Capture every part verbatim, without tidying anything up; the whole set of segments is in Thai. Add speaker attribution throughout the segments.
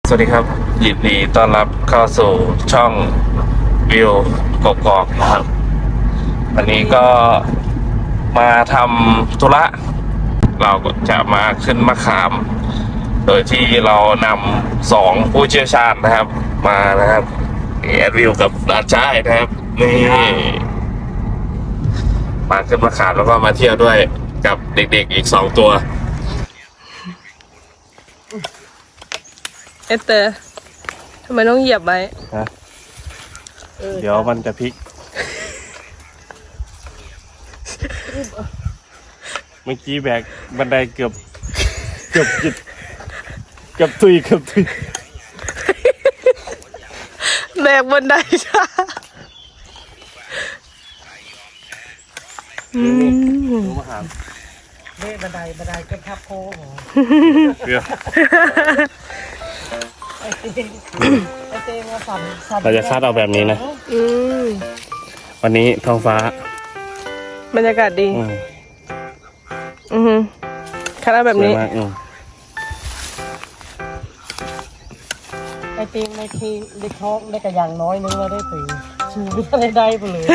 Speaker 1: สวัสดีครับยินดีต้อนรับเข้าสู่ช่องวิวกกอกนะครับวันนี้ก็มาทำธุระเราก็จะมาขึ้นมะขาม โดยที่เรานำสองผู้เชี่ยวชาญนะครับ มานะครับแอดวิวกับดาจ้ายนะครับนี่มาขึ้นมะขามแล้วก็มาเที่ยวด้วยกับเด็กๆอีกสองตัว
Speaker 2: เอเตอร์ทำไมต้องเหยียบไว้
Speaker 1: ฮะเดี๋ยวมันจะพลิก เมื่อกี้แบกบันไดเกือบเกือบจิตเกือบตุยเกือบตุย
Speaker 2: แบกบันไดช้าอืม
Speaker 1: มาหา
Speaker 3: เล่บันไดบันไดก็ทับโค้ง
Speaker 1: เกือบ
Speaker 3: ไอเต้ไอเต้มาสั่นสั่น
Speaker 1: เราจะคัดเอาแบบนี้นะ
Speaker 2: อืม
Speaker 1: วันนี้ท้องฟ้า
Speaker 2: บรรยากาศดีอืมอือคัดเอาแบบนี้
Speaker 3: ไอเต้ในทีในท้องได้กระยังน้อยนึงแล้วได้ถึงชูไม่ได้ไปเลย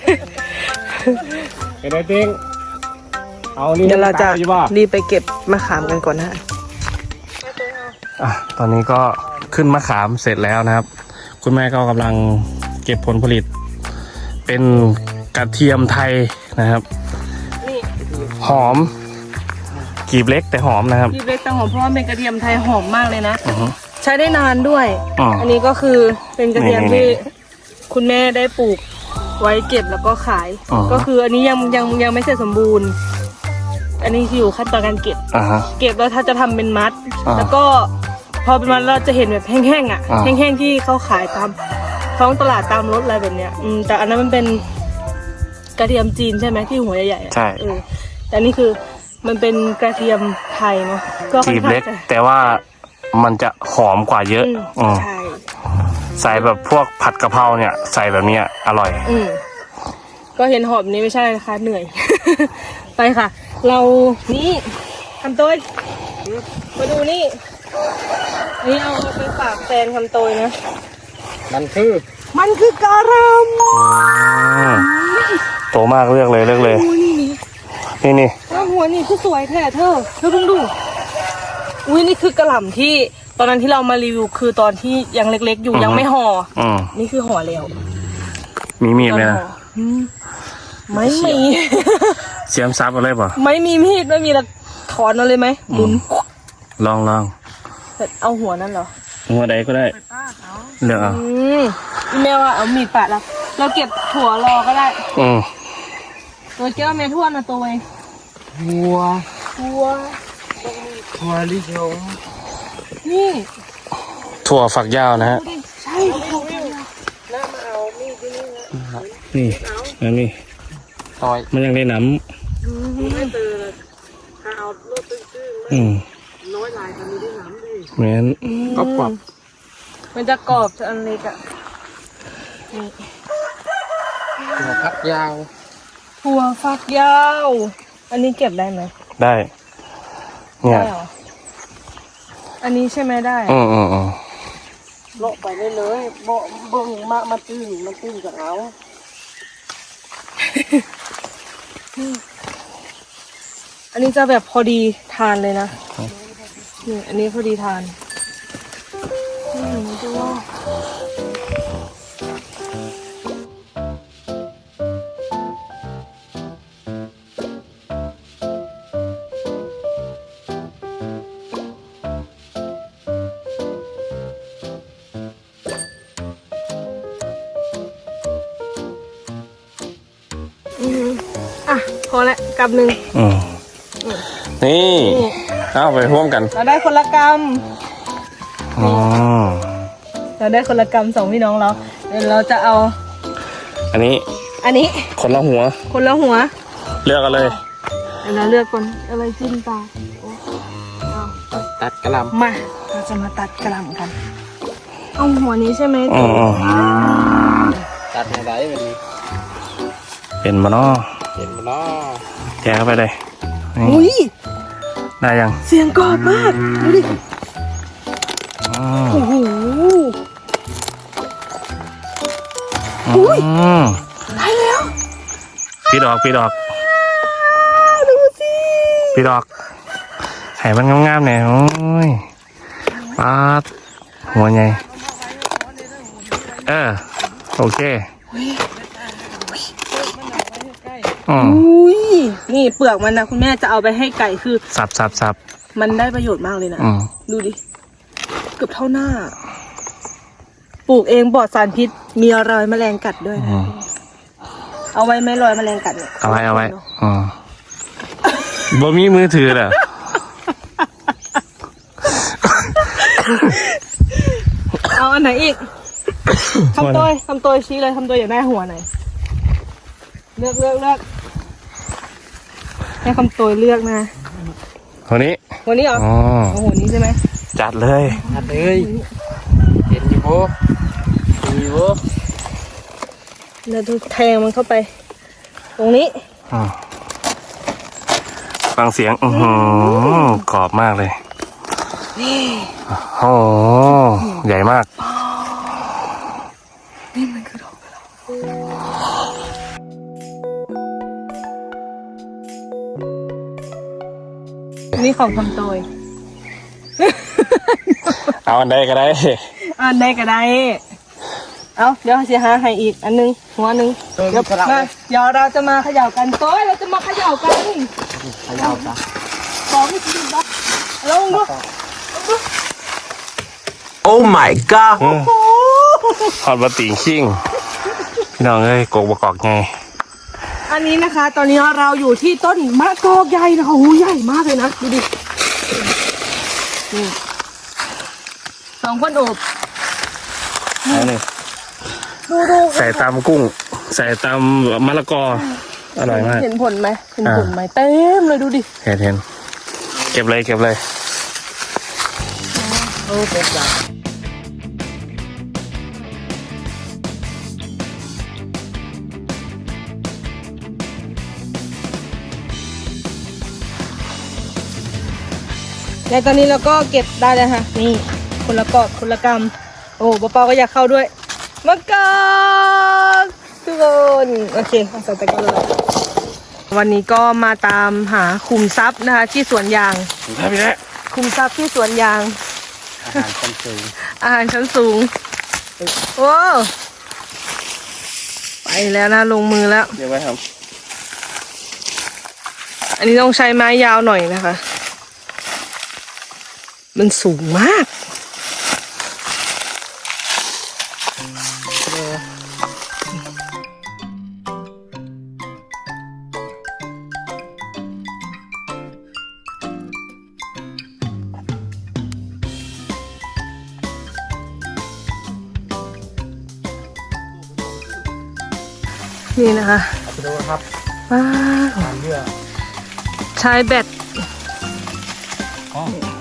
Speaker 1: ไอ้ได้เต้งเอานี่
Speaker 2: เดี๋ยวเราจะรีบไปเก็บมะขามกันก่อนนะอ่ะ
Speaker 1: ตอนนี้ก็ขึ้นมะขามเสร็จแล้วนะครับคุณแม่ก็กำลังเก็บผลผลิตเป็นกระเทียมไทยนะครับหอมกีบเล็กแต่หอมนะครับ
Speaker 2: กีบเล็กแต่หอมเพราะว่าเป็นกระเทียมไทยหอมมากเลยนะใช้ได้นานด้วย อันนี้ก็คือเป็นกระเทียมที่คุณแม่ได้ปลูกไว้เก็บแล้วก็ขายก็คืออันนี้ยังยังยังไม่เสร็จสมบูรณ์อันนี้อยู่ขั้นตอนการเก็บเก็บแล้วถ้าจะทำเป็นมัดแล้วก็พอเป็นมัดเราจะเห็นแบบแห้งๆอ่ะแห้งๆที่เขาขายตามท้องตลาดตามรถอะไรแบบเนี้ยอืมแต่อันนั้นมันเป็นกระเทียมจีนใช่ไหมที่หัวใหญ่ๆ
Speaker 1: ใช่
Speaker 2: เออแต่นี่คือมันเป็นกระเทียมไทยเนาะ
Speaker 1: ก็กีบเล็กแต่ว่ามันจะหอมกว่าเยอะ
Speaker 2: ใช่
Speaker 1: ใส่แบบพวกผัดกะเพราเนี่ยใส่แบบนี้อร่อย
Speaker 2: อืมก็เห็นหอมนี้ไม่ใช่นะคะเหนื่อย ไปค่ะเรานี่คำโตยมาดูนี่นี่เอาไปฝากแฟนคำโตยนะ
Speaker 1: มันคือ
Speaker 2: มันคือกะหล่ำ
Speaker 1: โตมากเลือกเลยเลือกเลย
Speaker 2: นี่
Speaker 1: นี่นี่
Speaker 2: แล้วหัวนี่คือสวยแท้เธอเธอเพิ่งดูอุ้ยนี่คือกะหล่ำที่ตอนนั้นที่เรามารีวิวคือตอนที่ยังเล็กๆอยู่ยังไม่ห่อนี่คือห่อแล้ว
Speaker 1: มีมีดไหมนะ
Speaker 2: ไม่มี
Speaker 1: เสียมซับอะไรป่ะ
Speaker 2: ไม่มีมีดไม่มีละถอนเอาเลยไหมหมุน
Speaker 1: ลองลอง
Speaker 2: เอาหัวนั่นเหรอ
Speaker 1: หัวใดก็ได้เลือกเอา
Speaker 2: แม่ว่าเอามีดปาดแล้วเราเก็บถั่วรอก็ได้
Speaker 1: อืม
Speaker 2: ตัวเจ้าแม่ทวดนะตัวเอง
Speaker 3: หัว
Speaker 2: หัว
Speaker 3: หัวลิชง
Speaker 2: นี่
Speaker 1: ถั่วฝักยาวนะฮะ
Speaker 2: ใช่ถั่วฝักยาวน่ามาเอามีดที่นี่นะ
Speaker 1: นี่นั่นนี่
Speaker 3: ต่อย
Speaker 1: มันยังได้น้
Speaker 3: ำไม่ตื่นถ้าเอารถตื้อๆน้อยลายมันมีได้น้ำดิ
Speaker 1: เหมือน
Speaker 3: กรอบกรอบ
Speaker 2: มันจะกรอบจะอันเล็กอ่ะนี่
Speaker 3: ถั่วฝักยาว
Speaker 2: ถั่วฝักยาวอันนี้เก็บได้ไหม
Speaker 1: ได้เนี่ย
Speaker 2: อันนี้ใช่ไหมได้
Speaker 1: อืมอืมอืม
Speaker 3: โลไปเลยเลยโบเบิ่งมามาตื้นมาตื้นกับเอา
Speaker 2: อันนี้จะแบบพอดีทานเลยนะนี่อันนี้พอดีทานนี่ดูว่าอ่ะพอละกำหนึ่ง
Speaker 1: นี่เอาไปร่วมกัน
Speaker 2: เราได้คนละกำ
Speaker 1: อ๋อ
Speaker 2: เราได้คนละกำสองพี่น้องเราเดี๋ยวเราจะเอา
Speaker 1: อันนี้
Speaker 2: อันนี้
Speaker 1: คนละหัว
Speaker 2: คนละหัว
Speaker 1: เลือกกันเลย
Speaker 2: เดี๋ยวเราเลือกก่อนอะไรจิ้มตา
Speaker 3: ตัดกระหล่
Speaker 2: ำมาเราจะมาตัดกระหล่ำกันเอาหัวนี้ใช่ไหม
Speaker 1: อ๋อ
Speaker 3: ตัดอะไรวันนี้
Speaker 1: เป็นมาเนาะ
Speaker 3: เป็นมาเนาะ
Speaker 1: แกะเข้าไปเลย
Speaker 2: อุ้ย
Speaker 1: ได้ยัง
Speaker 2: เสียงกรอบมากดูดิโอ้อุ้ย
Speaker 1: อืม
Speaker 2: ได้แล้ว
Speaker 1: พี่ดอกพี่ดอก
Speaker 2: ดูสิ
Speaker 1: พี่ดอกให้มันงามๆหน่อยโอ้ยปาดหัวใหญ่เออโอเคอืม
Speaker 2: อุ้ยนี่เปลือกมันนะคุณแม่จะเอาไปให้ไก่คือ
Speaker 1: สับสับสับ
Speaker 2: มันได้ประโยชน์มากเลยนะ
Speaker 1: อืม
Speaker 2: ดูดิเกือบเท่าหน้า ปลูกเองปลอดสารพิษมีรอยแมลงกัดด้วยนะ
Speaker 1: อืม
Speaker 2: เอาไว้ไหมรอยแมลงกัดเนี่ย
Speaker 1: เอาไว้เอาไว้อืมบ่มีมือถือเหรอ
Speaker 2: เอาอันไหนอีกคำโตยคำโตยชี้เลยคำโตยอยากได้หัวไหนเลือกเลือกเลือกให้คำโตยเลือกนะ
Speaker 1: คนนี้
Speaker 2: หัวนี้เหรอ
Speaker 1: อ๋อ
Speaker 2: เอาหัวนี้ใช่ไหม
Speaker 1: จัดเลย
Speaker 3: อัดเลยเห็นอยู่โบอยู่โบ
Speaker 2: แล้วดูแทงมันเข้าไป ตรงนี้
Speaker 1: อืมฟังเสียงอือหือกรอบมากเลยโอ้โหใหญ่มาก
Speaker 2: นี่มันคือดอกนี่ของคำโตย
Speaker 1: เอาอันใดก็ได้
Speaker 2: อันใดก็ได้ เอาเดี๋ยวเสียหาให้อีกอันนึงหัวหนึงเดี๋ยวมาเดี๋ยวเราจะมาเขย่ากันโต้ยเราจะมาเขย่ากัน
Speaker 3: ขยาวจ้ะ
Speaker 2: สองที่ดีบ้าลงดู
Speaker 3: โอ้ my god
Speaker 1: ฮอดบะติงชิ่งพี่น้องเอ้ยกกบกอกไง
Speaker 2: อันนี้นะคะ ตอนนี้เราอยู่ที่ต้นมะกอกใหญ่นะคะโอ้ใหญ่มากเลยนะดูดินี่สองคนโอบ
Speaker 1: เอาเลย
Speaker 2: ดูดู
Speaker 1: ใส่ตำกุ้ง ใส่ตำมะละกออร่อยมาก
Speaker 2: เห็นผลไหมเห็นผลไหมเต็มเลยดูดิ
Speaker 1: เห็นเห็นเก็บเลยเก็บเลย
Speaker 2: โอ้เป็นจ้ะและตอนนี้เราก็เก็บได้แล้วค่ะนี่คนละกอบคนละกำโอ้ป้าเปาก็อยากเข้าด้วยมะกอกทุกคนโอเคเอาใส่ตะกร้าเลยวันนี้ก็มาตามหาคุมทรัพย์นะคะที่สวนยาง
Speaker 1: ได้พี่แล้ว
Speaker 2: คุมทรัพย์ที่สวนยาง
Speaker 3: อาหารชั้นสูง
Speaker 2: อาหารชั้นสูงโอ้ไปแล้วนะลงมือแล้ว
Speaker 1: เดี๋ยวไว้ครับ
Speaker 2: อันนี้ต้องใช้ไม้ยาวหน่อยนะคะ มันสูงมากนี่นะคะ
Speaker 3: ดูครับ
Speaker 2: ว้าว
Speaker 3: ทานเยื่อ
Speaker 2: ใช้แบต
Speaker 3: อ๋อย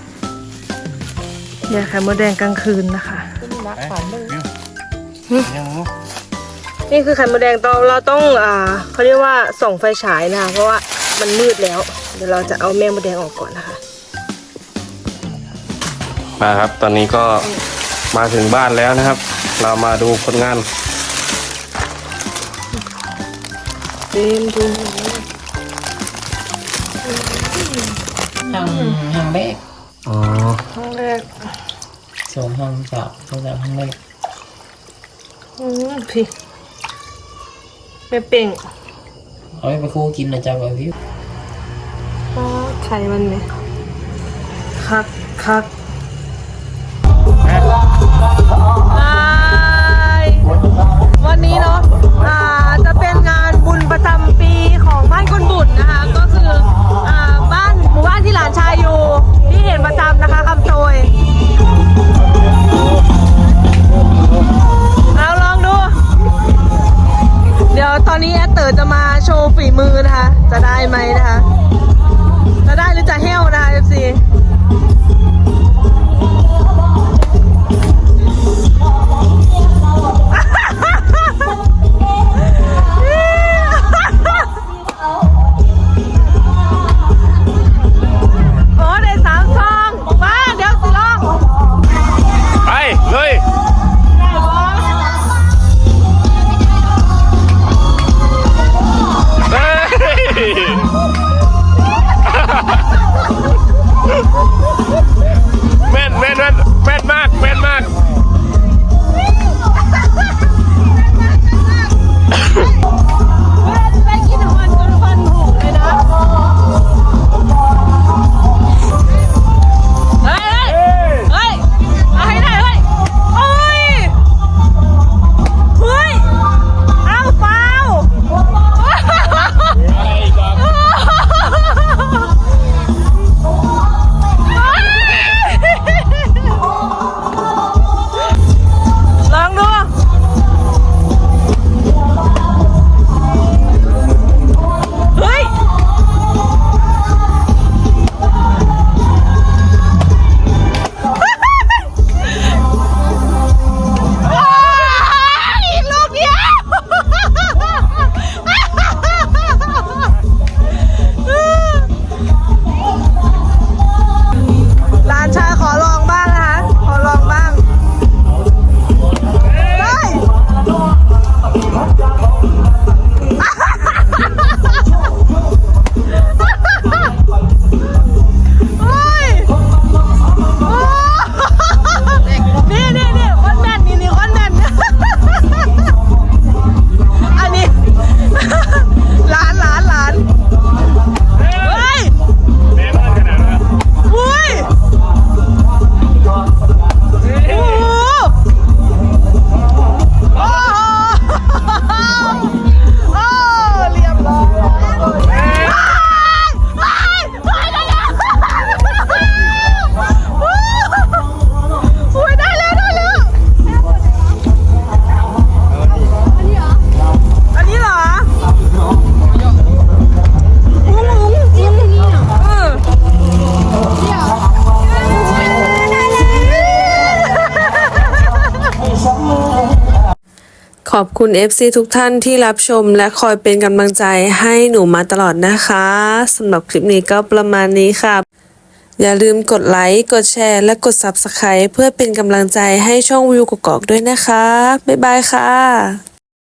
Speaker 2: าไข่มดแดงกลางคืนนะคะ
Speaker 3: รักฝันเลย
Speaker 1: ยังรู้
Speaker 2: นี่คือไข่มดแดงตอนเราต้องอ่าเขาเรียกว่าส่องไฟฉายนะคะเพราะว่ามันมืดแล้ว เดี๋ยวเราจะเอาแม่มดแดงออกก่อนนะคะ
Speaker 1: มาครับ ตอนนี้ก็มาถึงบ้านแล้วนะครับ เรามาดูผลงาน
Speaker 2: เต็มทุน
Speaker 4: ห้างห้างแรก
Speaker 1: อ๋อ
Speaker 2: ครั้งแรก
Speaker 4: สองห้างสามสองสามห้างแรก
Speaker 2: อืมพี่แม่เป่ง
Speaker 4: เอาไปคู่กินนะจ๊ะแบบพี่
Speaker 2: อ๋อไข่มันไหมคักคักวันนี้เนาะอ่าจะเป็นงานบุญประจำปีของบ้านคนบุญนะคะ ก็คืออ่าบ้านหมู่บ้านที่หลานชายอยู่ที่เห็นประจำนะคะคำโจยเอาลองดู เดี๋ยวตอนนี้แอดเตอร์จะมาโชว์ฝีมือนะคะ จะได้ไหมนะคะ จะได้หรือจะเฮลนะคะ เอฟ ซี โอ้ได้สามซองมาเดี๋ยวสิลอง
Speaker 1: ไปเลย
Speaker 2: ได้บอ
Speaker 5: ขอบคุณ เอฟ ซี ทุกท่านที่รับชมและคอยเป็นกำลังใจให้หนูมาตลอดนะคะสำหรับคลิปนี้ก็ประมาณนี้ค่ะอย่าลืมกดไลค์กดแชร์และกด ซับสไครบ์ เพื่อเป็นกำลังใจให้ช่องวิวกกอกด้วยนะคะบ๊ายบายค่ะ